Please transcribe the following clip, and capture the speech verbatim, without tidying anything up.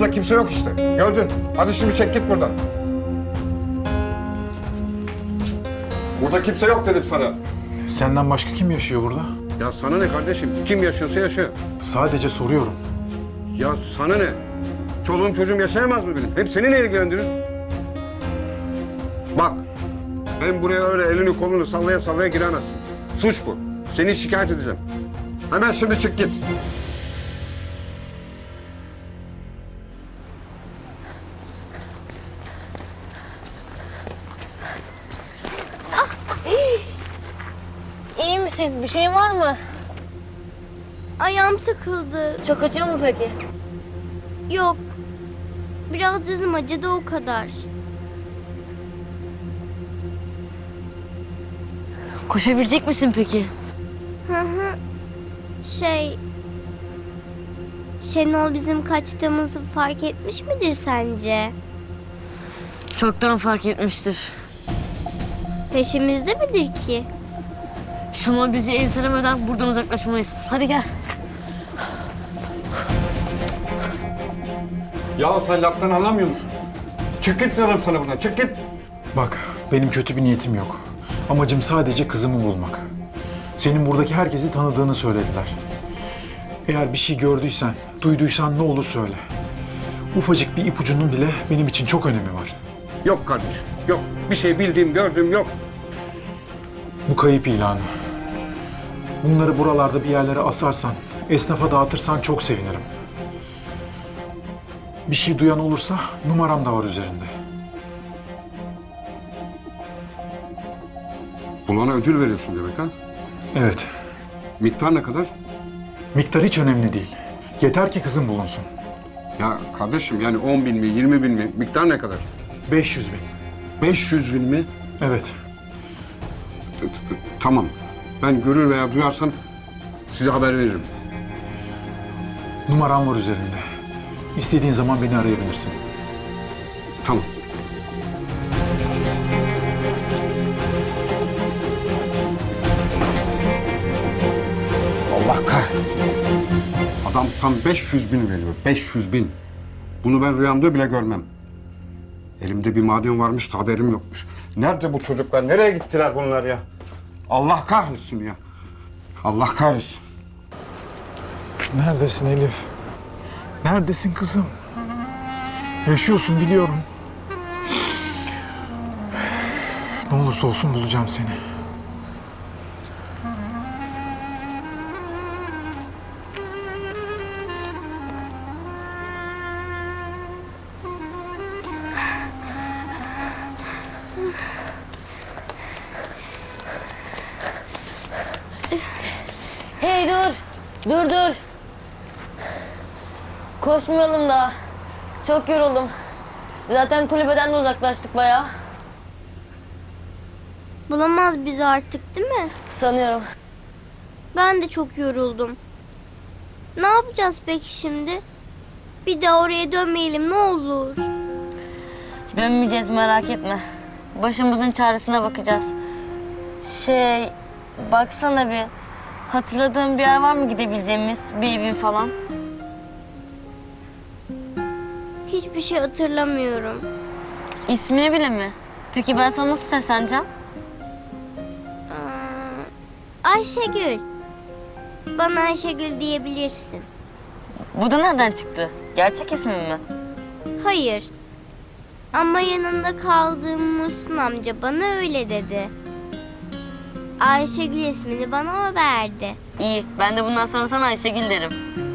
Burada kimse yok işte. Gördün. Hadi şimdi çek git buradan. Burada kimse yok dedim sana. Senden başka kim yaşıyor burada? Ya sana ne kardeşim? Kim yaşıyorsa yaşıyor. Sadece soruyorum. Ya sana ne? Çoluğum çocuğum yaşayamaz mı benim? Hem seni ne ilgilendirir? Bak, ben buraya öyle elini kolunu sallaya sallaya giremezsin. Suç bu. Seni şikayet edeceğim. Hemen şimdi çık git. İyi misin? Bir şeyin var mı? Ayağım sıkıldı. Çok acıyor mu peki? Yok. Biraz dizim acıdı o kadar. Koşabilecek misin peki? Hı hı. Şey... Şenol bizim kaçtığımızı fark etmiş midir sence? Çoktan fark etmiştir. Peşimizde midir ki? Şenol bizi enselemeden buradan uzaklaşmalıyız. Hadi gel. Ya sen laftan anlamıyor musun? Çık git diyorum sana buradan. Çık git. Bak, benim kötü bir niyetim yok. Amacım sadece kızımı bulmak. Senin buradaki herkesi tanıdığını söylediler. Eğer bir şey gördüysen, duyduysan ne olur söyle. Ufacık bir ipucunun bile benim için çok önemi var. Yok kardeşim. Yok. Bir şey bildiğim, gördüğüm yok. Bu kayıp ilanı. Bunları buralarda bir yerlere asarsan, esnafa dağıtırsan çok sevinirim. Bir şey duyan olursa numaram da var üzerinde. Bulana ödül veriyorsun demek ha? Evet, Miktar ne kadar? miktar hiç önemli değil. Yeter ki kızım bulunsun. Ya kardeşim yani on bin mi, yirmi bin mi? Miktar ne kadar? beş yüz bin. beş yüz bin mi? Evet, T- t- t- Tamam. Ben görür veya duyarsam size haber veririm. numaram var üzerinde. İstediğin zaman beni arayabilirsin. Tamam. Allah kahretsin. Adam tam beş yüz bin veriyor. beş yüz bin. Bunu ben rüyamda bile görmem. Elimde bir maden varmış da haberim yokmuş. Nerede bu çocuklar? Nereye gittiler bunlar ya? Allah kahretsin ya. Allah kahretsin. Neredesin Elif? Neredesin kızım? Yaşıyorsun biliyorum. Ne olursa olsun bulacağım seni. Hey dur. Dur dur. Koşmayalım daha. Çok yoruldum. Zaten kulübeden de uzaklaştık bayağı. Bulamaz bizi artık değil mi? Sanıyorum. Ben de çok yoruldum. Ne yapacağız peki şimdi? Bir daha oraya dönmeyelim ne olur. Dönmeyeceğiz merak etme. Başımızın çaresine bakacağız. Şey, baksana bir. Hatırladığın bir yer var mı gidebileceğimiz? Bir evin falan. Hiçbir şey hatırlamıyorum. İsmini bile mi? Peki ben sana nasıl sesleneceğim? Aa, Ayşegül. Bana Ayşegül diyebilirsin. Bu da nereden çıktı? Gerçek ismin mi? Hayır. Ama yanında kaldığım Muhsin amca bana öyle dedi. Ayşegül ismini bana o verdi. İyi, ben de bundan sonra sana Ayşegül derim.